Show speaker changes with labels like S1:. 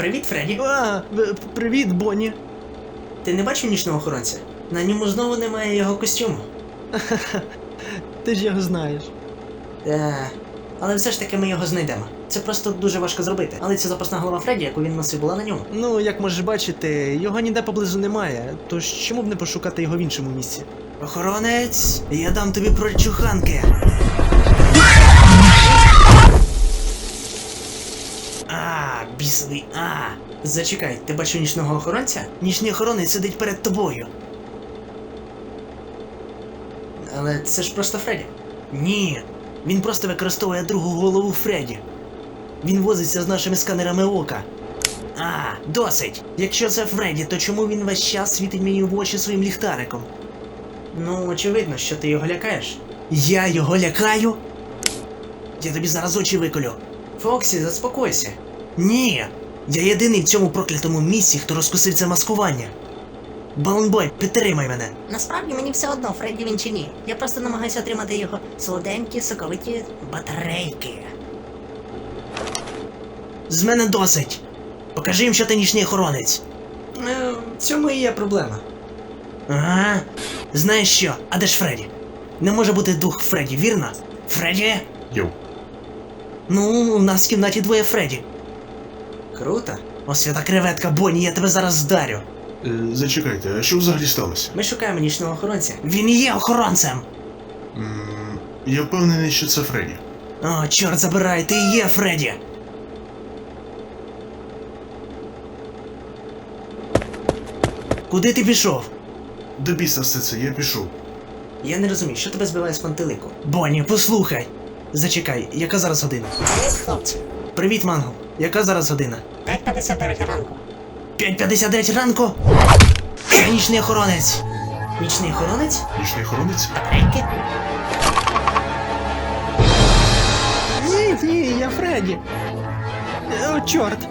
S1: Привіт, Фредді.
S2: Привіт, Бонні.
S1: Ти не бачив нічного охоронця? На ньому знову немає його костюму.
S2: Ти ж його знаєш.
S1: Але все ж таки ми його знайдемо. Це просто дуже важко зробити. Але ця запасна голова Фредді, яку він носив, була на ньому.
S2: Ну, як можеш бачити, його ніде поблизу немає, тож чому б не пошукати його в іншому місці?
S1: Охоронець, я дам тобі прочуханки. Бісовий, Зачекай, ти бачив нічного охоронця? Нічний охоронець сидить перед тобою. Але це ж просто Фредді. Ні, він просто використовує другу голову Фредді. Він возиться з нашими сканерами ока. Досить! Якщо це Фредді, то чому він весь час світить мені в очі своїм ліхтариком? Ну, очевидно, що ти його лякаєш. Я його лякаю? Я тобі зараз очі виколю. Фоксі, заспокойся. Ні! Я єдиний в цьому проклятому місці, хто розкусив це маскування. Балонбой, підтримай мене.
S3: Насправді мені все одно, Фредді він чи ні. Я просто намагаюся отримати його солоденькі, соковиті батарейки.
S1: З мене досить. Покажи їм, що ти нічний охоронець. В цьому і є проблема. Ага. Знаєш що? А де ж Фредді? Не може бути двох Фредді, вірно? Фредді?
S4: Йоу.
S1: Ну, у нас в кімнаті двоє Фредді. Круто. О, свята креветка, Бонні, я тебе зараз здарю.
S4: Зачекайте, а що взагалі сталося?
S1: Ми шукаємо нічного охоронця. Він і є охоронцем!
S4: Я впевнений, що це Фредді.
S1: О, чорт забирай, ти і є Фредді! Куди ти пішов?
S4: До біса все це, я пішов.
S1: Я не розумію, що тебе збиває з пантелику. Бонні, послухай! Зачекай, яка зараз година?
S3: Привіт, хлопці.
S1: Привіт, Манго. Яка зараз година?
S3: 5:59 ранку.
S1: 5:59 ранку? Це нічний охоронець. Нічний охоронець?
S4: Нічний охоронець?
S3: Батарейки?
S2: Ні, я Фредді. О, чорт.